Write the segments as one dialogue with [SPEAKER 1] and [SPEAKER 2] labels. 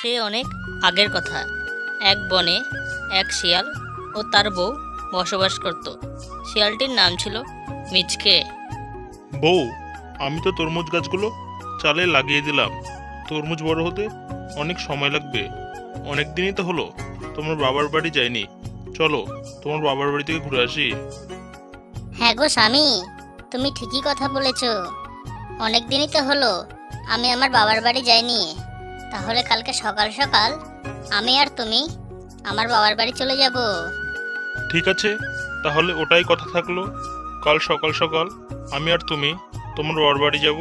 [SPEAKER 1] সে অনেক আগের কথা। এক বনে এক শিয়াল ও তার বউ বসবাস করত। শিয়ালটির নাম ছিল মিচকে।
[SPEAKER 2] বউ, আমি তো তরমুজ গাছগুলো চালে লাগিয়ে দিলাম। তরমুজ বড় হতে অনেক সময় লাগবে। অনেক দিনই তো হলো তোমার বাবার বাড়ি যাইনি। চলো তোমার বাবার বাড়ি থেকে ঘুরে আসি।
[SPEAKER 3] হ্যাঁ গো স্বামী, তুমি ঠিকই কথা বলেছ। অনেক দিনই তো হলো আমি আমার বাবার বাড়ি যাইনি। তাহলে কালকে সকাল সকাল আমি আর তুমি আমার বাবার বাড়ি চলে যাব।
[SPEAKER 2] ঠিক আছে, তাহলে ওটাই কথা থাকলো। কাল সকাল সকাল আমি আর তুমি তোমার বাবার বাড়ি যাব।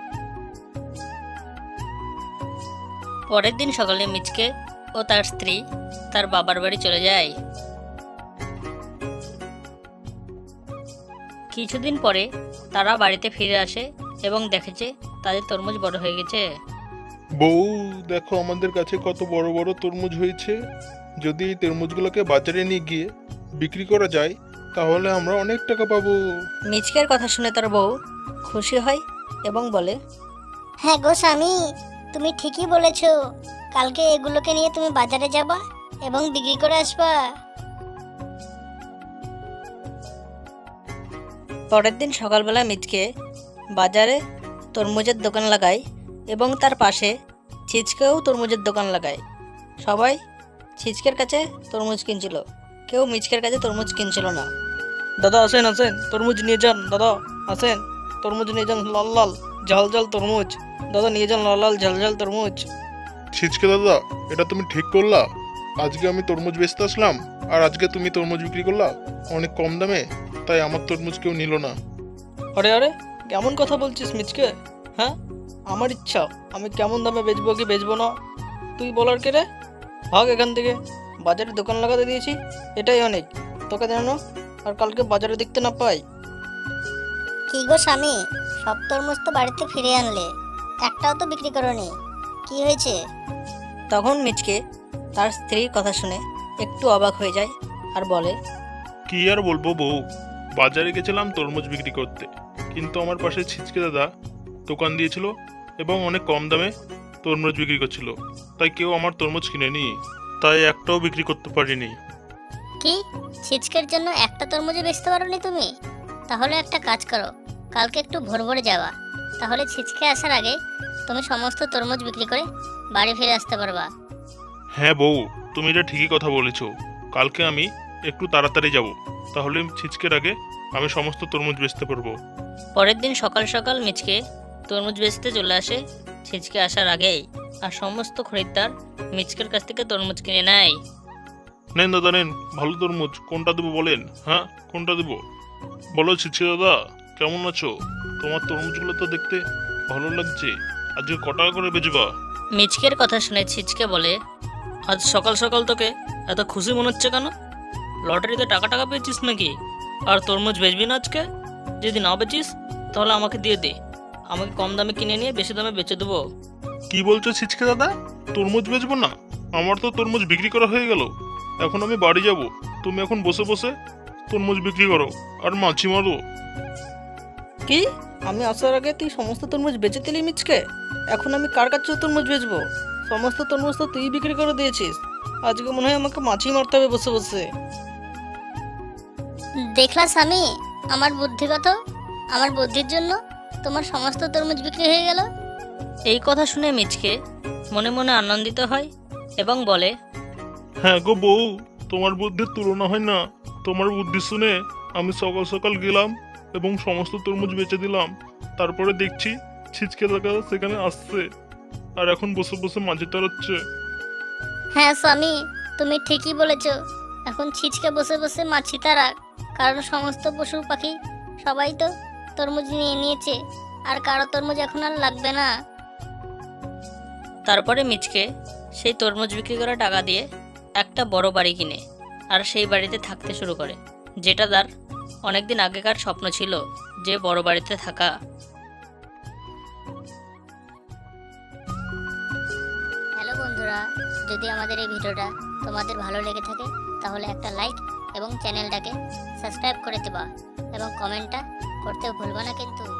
[SPEAKER 1] পরের দিন সকালে মিচকে ও তার স্ত্রী তার বাবার বাড়ি চলে যায়। কিছুদিন পরে তারা বাড়িতে ফিরে আসে এবং দেখে যে তাদের তরমুজ বড় হয়ে গেছে।
[SPEAKER 2] বউ, দেখো আমাদের কাছে কত বড় বড় তরমুজ হয়েছে। যদি এই তরমুজগুলোকে বাজারে নিয়ে গিয়ে বিক্রি করা যায় তাহলে আমরা অনেক টাকা পাবো।
[SPEAKER 1] মিচকের কথা শুনে তার বউ খুশি হয় এবং বলে,
[SPEAKER 3] হ্যাঁ গো স্বামী, তুমি ঠিকই বলেছ। কালকে এগুলোকে নিয়ে তুমি বাজারে যাবা এবং বিক্রি করে আসবা।
[SPEAKER 1] পরের দিন সকালবেলা মিচকে বাজারে তরমুজের দোকান লাগায় এবং তার পাশে ছিচকেও তরমুজের দোকান লাগায়। সবাই ছিচকের কাছে তরমুজ কিনছিল, কেউ মিচকের কাছে তরমুজ কিনছিল না। দাদা আসেন আসেন, তরমুজ নিয়ে যান। দাদা আসেন, তরমুজ নিয়ে যান, লাল লাল ঝাল ঝাল তরমুজ। দাদা নিয়ে যান লাল লাল ঝাল ঝাল তরমুজ।
[SPEAKER 2] ছিচকে দাদা, এটা তুমি ঠিক করলা। আজকে আমি তরমুজ বেচতে আসলাম আর আজকে তুমি তরমুজ বিক্রি করলা অনেক কম দামে, তাই আমার তরমুজ কেউ নিল না।
[SPEAKER 1] আরে আরে, কেমন কথা বলছিস মিচকে? হ্যাঁ, আমার ইচ্ছা আমি কেমন দামে বেচবো কি বেচবো না তুই বলার কে রে? ভাগ এখান থেকে। বাজারে দোকান লাগাতে দিয়েছি, এটাই অনেক। তোকে যেন আর কালকে বাজারে দেখতে না পাই।
[SPEAKER 3] কি গো স্বামী, সব তরমুজ তো বাড়িতে ফিরে আনলে, একটাও তো বিক্রি করোনি, কি হয়েছে?
[SPEAKER 1] তখন মিচকে তার স্ত্রীর কথা শুনে একটু অবাক হয়ে যায় আর বলে,
[SPEAKER 2] কি আর বলবো বউ, বাজারে গেছিলাম তরমুজ বিক্রি করতে, কিন্তু আমার পাশে ছিচকে দাদা দোকান দিয়েছিল এবং অনেক কম দামে তরমুজ বিক্রি করছিল, তাই কেউ আমার তরমুজ কিনেনি, তাই একটাও বিক্রি করতে পারিনি।
[SPEAKER 3] কি, ছিচকের জন্য একটা তরমুজও বেচতে পারোনি তুমি? তাহলে একটা কাজ করো, কালকে একটু ভোর ভোরে যাওয়া, তাহলে ছিচকে আসার আগে তুমি সমস্ত তরমুজ বিক্রি করে বাড়ি ফিরে আসতে পারবা।
[SPEAKER 2] হ্যাঁ বউ, তুমি এটা ঠিকই কথা বলেছো। কালকে আমি একটু তাড়াতাড়ি যাব, তাহলে ছিচকের আগে আমি সমস্ত তরমুজ বেচতে পারবো।
[SPEAKER 1] পরের দিন সকাল সকাল মিচকে তরমুজ বেচতে চলে আসে ছিচকে আসার আগেই, আর সমস্ত খরিদ্দার মিচকের কাছ থেকে তরমুজ কিনে নেয়।
[SPEAKER 2] নেন দাদা নেন, ভালো তরমুজ, কোনটা দেবো বলেন। হ্যাঁ, কোনটা দেবো বলো। ছিচকে দাদা, কেমন আছো? তোমার তরমুজগুলো তো দেখতে ভালো লাগছে। আজকে ক টাকা করে বেচবা?
[SPEAKER 1] মিচকের কথা শুনে ছিচকে বলে, আজ সকাল সকাল তোকে এত খুশি মনে হচ্ছে কেন? লটারিতে টাকা টাকা পেয়েছিস নাকি? আর তরমুজ বেচবি না আজকে? যদি না বেচিস তাহলে আমাকে দিয়ে দে, আমাকে কম দামে কিনে নিয়ে বেশি দামে বেচে দেবো।
[SPEAKER 2] কি বলছো ছিচকে দাদা, তরমুজ বেচবো না? আমার তো তরমুজ বিক্রি করা হয়ে গেল, এখন আমি বাড়ি যাব। তুমি এখন বসে বসে তরমুজ বিক্রি করো আর মাছি মারো।
[SPEAKER 1] কি, আমি আসার আগে তুই সমস্ত তরমুজ বেচে দিলি মিচকে? এখন আমি কার কাছে তরমুজ বেচবো? সমস্ত তরমুজ তো তুই বিক্রি করে দিয়েছিস। আজকে মনে হয় আমাকে মাছি মারতে হবে বসে বসে।
[SPEAKER 3] দেখলা স্বামী, আমার বুদ্ধিগত, আমার বুদ্ধির জন্য তোমার সমস্ত তরমুজ বিক্রি হয়ে গেল।
[SPEAKER 1] এই কথা শুনে মিচকে মনে মনে আনন্দিত হয় এবং বলে,
[SPEAKER 2] হ্যাঁ গো বউ, তোমার বুদ্ধির তুলনা হয় না। তোমার বুদ্ধি শুনে আমি সকাল সকাল গেলাম এবং সমস্ত তরমুজ বেচে দিলাম। তারপরে দেখছি ছিচকে দাদা সেখানে আসছে আর এখন বসে বসে মাঝি তাড়াচ্ছে।
[SPEAKER 3] হ্যাঁ স্বামী, তুমি ঠিকই বলেছ। এখন ছিচকে বসে বসে মাছি তারা, কারণ সমস্ত পশু পাখি সবাই তো তরমুজ নিয়ে নিয়েছে, আর কারো তরমুজ এখন আর লাগবে না।
[SPEAKER 1] তারপরে মিচকে সেই তরমুজ বিক্রি করা টাকা দিয়ে একটা বড় বাড়ি কিনে আর সেই বাড়িতে থাকতে শুরু করে, যেটা তার অনেকদিন আগেকার স্বপ্ন ছিল, যে বড় বাড়িতে থাকা।
[SPEAKER 3] হ্যালো বন্ধুরা, যদি আমাদের এই ভিডিওটা তোমাদের ভালো লেগে থাকে তাহলে একটা লাইক এবং চ্যানেলটাকে সাবস্ক্রাইব করে দেবা এবং কমেন্টটা করতে ভুলবা না কিন্তু।